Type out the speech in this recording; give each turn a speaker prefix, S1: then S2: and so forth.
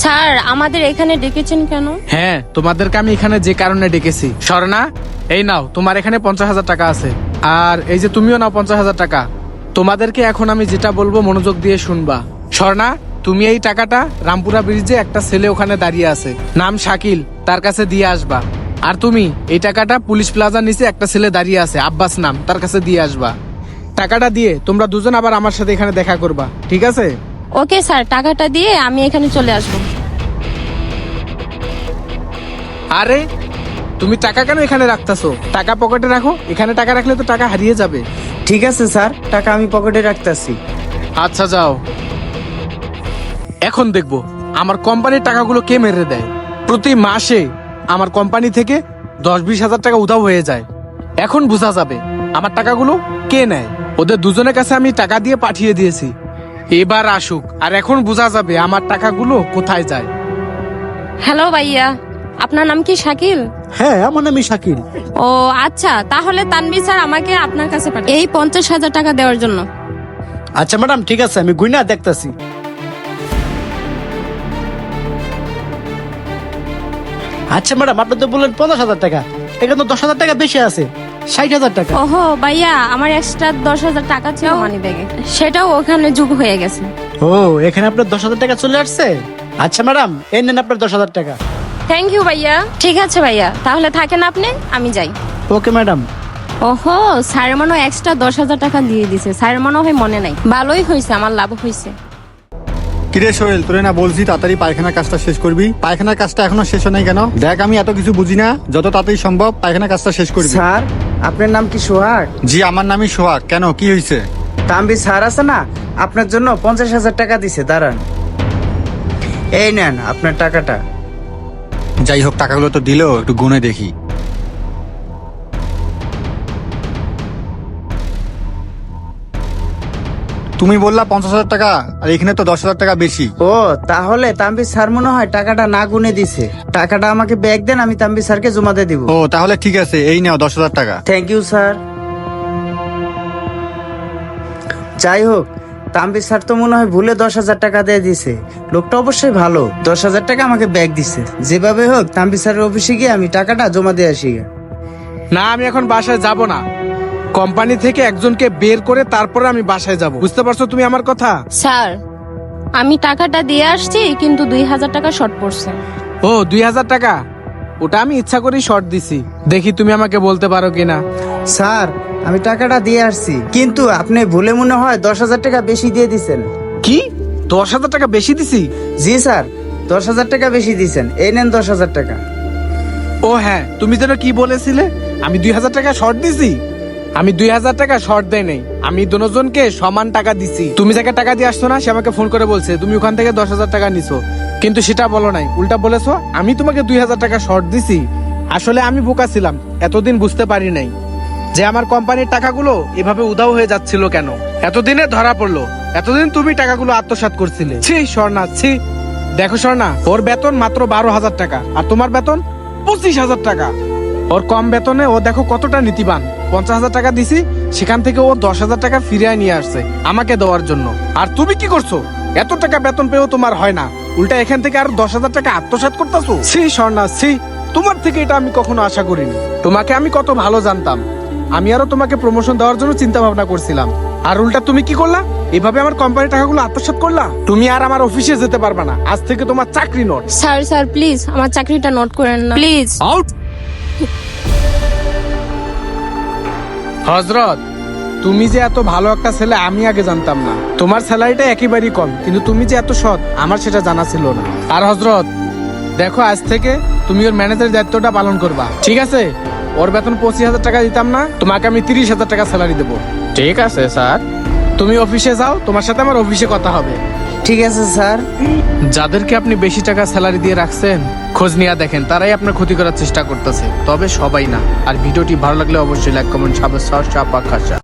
S1: Sir আমাদের এখানে ডেকেছেন কেন?
S2: হ্যাঁ, তোমাদেরকে আমি এখানে যে কারণে ডেকেছি। স্বর্ণা, এই নাও, তোমার এখানে 50,000 টাকা আছে। আর এই যে তুমিও নাও 50,000 টাকা। তোমাদেরকে এখন আমি যেটা বলবো মনোযোগ দিয়ে শুনবা। স্বর্ণা, তুমি এই টাকাটা রামপুরা ব্রিজে একটা ছেলে ওখানে দাঁড়িয়ে আছে, নাম শাকিল, তার কাছে দিয়ে আসবা। আর তুমি এই টাকাটা পুলিশ প্লাজার নিচে একটা ছেলে দাঁড়িয়ে আছে, আব্বাস নাম, তার কাছে দিয়ে আসবা। টাকাটা দিয়ে তোমরা দুজন আবার আমার সাথে এখানে দেখা করবা, ঠিক আছে?
S1: ওকে স্যার, টাকাটা দিয়ে আমি এখানে চলে আসবো।
S2: আরে তুমি টাকা কেন এখানে রাখতেছো? টাকা পকেটে রাখো, এখানে টাকা রাখলে তো টাকা হারিয়ে যাবে।
S3: ঠিক আছে স্যার, টাকা আমি পকেটে রাখতেছি।
S2: আচ্ছা যাও। এখন দেখবো আমার কোম্পানির টাকাগুলো কে মেরে দেয়। প্রতি মাসে আমার কোম্পানি থেকে 10-20 হাজার টাকা উধাও হয়ে যায়। এখন বোঝা যাবে আমার টাকাগুলো কে নেয়। ওদের দুজনের কাছে আমি টাকা দিয়ে পাঠিয়ে দিয়েছি, এবার আসুক, আর এখন বোঝা যাবে আমার টাকাগুলো কোথায় যায়।
S1: হ্যালো ভাইয়া, আপনার নাম কি শাকিল?
S4: হ্যাঁ, আমার নামই শাকিল।
S1: ও আচ্ছা, তাহলে তানভীর স্যার আমাকে আপনার কাছে পাঠান এই 50,000 টাকা দেওয়ার জন্য।
S4: আচ্ছা ম্যাডাম, ঠিক আছে, আমি গুইনা দেখতাছি। আচ্ছা ম্যাডাম, আপনি তো বললেন 50,000 টাকা, এখানে তো 10,000 টাকা বেশি আছে, 60,000 টাকা।
S1: ওহো ভাইয়া, আমার এক্সট্রা 10,000 টাকা ছিল মানি ব্যাগে, সেটাও ওখানে যোগ হয়ে গেছে।
S4: ও, এখানে আপনার 10,000 টাকা চলে আসছে। আচ্ছা ম্যাডাম, এই নেন আপনার 10,000 টাকা।
S1: থ্যাংক ইউ ভাইয়া। ঠিক আছে ভাইয়া, তাহলে থাকেন আপনি, আমি যাই।
S4: Okay madam.
S1: ওহো, স্যার মনে হয় এক্সট্রা 10,000 টাকা দিয়ে দিছে। স্যার মনে হয় মনে নাই। ভালোই হয়েছে, আমার লাভ হয়েছে।
S5: কিরে সোহেল, তোরে না বলছি তাড়াতাড়ি পায়খানার কাজটা শেষ করবি? পায়খানার কাজটা এখনো শেষ হয় নাই কেন? দেখ, আমি এত কিছু বুঝি না, যত তাড়াতাড়ি সম্ভব পায়খানার কাজটা শেষ করবি।
S3: স্যার, আপনার নাম কি সোহাগ?
S5: জি, আমার নামই সোহাগ। কেন, কি হয়েছে?
S3: তানভীর স্যার আছে না, আপনার জন্য 50,000 টাকা দিছে, দাঁড়ান। এই নেন আপনার টাকাটা।
S5: যাই হোক, টাকাগুলো তো দিলো, একটু গুনে দেখি। তুমি বললা 50,000 টাকা, আর এখানে তো 10,000 টাকা বেশি।
S3: ও, তাহলে তানভীর স্যার মনে হয় টাকাটা না গুনে দিছে। টাকাটা আমাকে ব্যাগ দেন, আমি তানভীর স্যারকে জমা দিয়ে দিব।
S5: ও তাহলে ঠিক আছে, এই নাও 10,000 টাকা।
S3: Thank you sir. যাই হোক, তানভীর স্যার তো মনে হয় ভুলে 10,000 টাকা দিয়ে দিছে। লোকটা অবশ্যই ভালো, 10,000 টাকা আমাকে ব্যাগ দিছে। যেভাবে হোক তানভীর স্যারের অফিসে গিয়ে আমি টাকাটা জমা দিয়ে আসি।
S2: না, আমি এখন বাসায় যাব না। কোম্পানি থেকে একজনকে বের করে তারপরে আমি বাসায় যাব, বুঝতে পারছো তুমি আমার কথা?
S1: স্যার, আমি টাকাটা দিয়ে আসছি, কিন্তু 2,000 টাকা শর্ট পড়ছে।
S2: ও 2,000 টাকা, ওটা আমি ইচ্ছা করেই শর্ট দিছি। দেখি তুমি আমাকে বলতে পারো কিনা।
S3: স্যার, আমি টাকাটা দিয়ে আসছি, কিন্তু আপনি ভুলে মনে হয় 10,000 টাকা বেশি দিয়ে দিছেন।
S2: কি, 10,000 টাকা বেশি দিছি?
S3: জি স্যার, 10,000 টাকা বেশি দিছেন। এই নেন 10,000 টাকা।
S2: ও হ্যাঁ, তুমি যেন কি বলেছিলে আমি 2,000 টাকা শর্ট দিছি? আমি 2,000 টাকা শর্ট দেয় নাই, আমি দুজনকে সমান টাকা দিছি। তুমি যাকে টাকা দিয়ে আসছো না, সে আমাকে ফোন করে বলছে তুমি ওখান থেকে 10,000 টাকা নিছো, কিন্তু সেটা বলো নাই, উল্টা বলেছো আমি তোমাকে 2,000 টাকা শর্ট দিছি। আসলে আমি বোকা ছিলাম, এতদিন বুঝতে পারি নাই যে আমার কোম্পানির টাকাগুলো এভাবে উধাও হয়ে যাচ্ছিল কেন। এতদিনে ধরা পড়লো, এতদিন তুমি টাকাগুলো আত্মসাৎ করছিলে। ছি স্বর্ণা, ছি। দেখো স্বর্ণা, ওর বেতন মাত্র 12,000 টাকা, আর তোমার বেতন 25,000 টাকা। ওর কম বেতনে ও দেখো কতটা নীতিবান। 50,000 টাকা দিছি, সেখান থেকে ও 10,000 টাকা ফিরিয়ে নিয়ে আসছে আমাকে দেওয়ার জন্য। আর তুমি কি করছো? এত টাকা বেতন পেয়েও তোমার হয় না, উল্টা এখান থেকে আর 10,000 টাকা আত্মসাৎ করতেছো। ছি স্বর্ণা, ছি। তোমার থেকে এটা আমি কখনো আশা করিনি। তোমাকে আমি কত ভালো জানতাম, আমি আরো তোমাকে প্রমোশন দেওয়ার জন্য চিন্তা ভাবনা করছিলাম, আর উল্টা তুমি কি করলা? এভাবে আমার কোম্পানির টাকাগুলো আত্মসাৎ করলা। তুমি আর আমার অফিসে যেতে পারবে না, আজ থেকে তোমার চাকরি নোট।
S1: স্যার স্যার প্লিজ আমার চাকরিটা নোট করেন না প্লিজ।
S2: আউট। হযরত, তুমি যে এত ভালো একটা ছেলে আমি আগে জানতাম না। তোমার স্যালারিটা একেবারেই কম, কিন্তু তুমি যে এত সৎ আমার সেটা জানা ছিল না। আর হযরত দেখো, আজ থেকে তুমি ওর ম্যানেজারের দায়িত্বটা পালন করবা, ঠিক আছে? ওর বেতন 25,000 টাকা দিতাম না, তোমাকে আমি 30,000 টাকা স্যালারি দেবো। ঠিক আছে স্যার, তুমি অফিসে যাও, তোমার সাথে আমার অফিসে কথা হবে।
S3: ঠিক আছে স্যার।
S2: যাদেরকে আপনি বেশি টাকা স্যালারি দিয়ে রাখছেন, খোঁজ নিয়ে দেখেন, তারাই আপনার ক্ষতি করার চেষ্টা করতেছে, তবে সবাই না। আর ভিডিওটি ভালো লাগলে অবশ্যই লাইক, কমেন্ট, সাবস্ক্রাইব,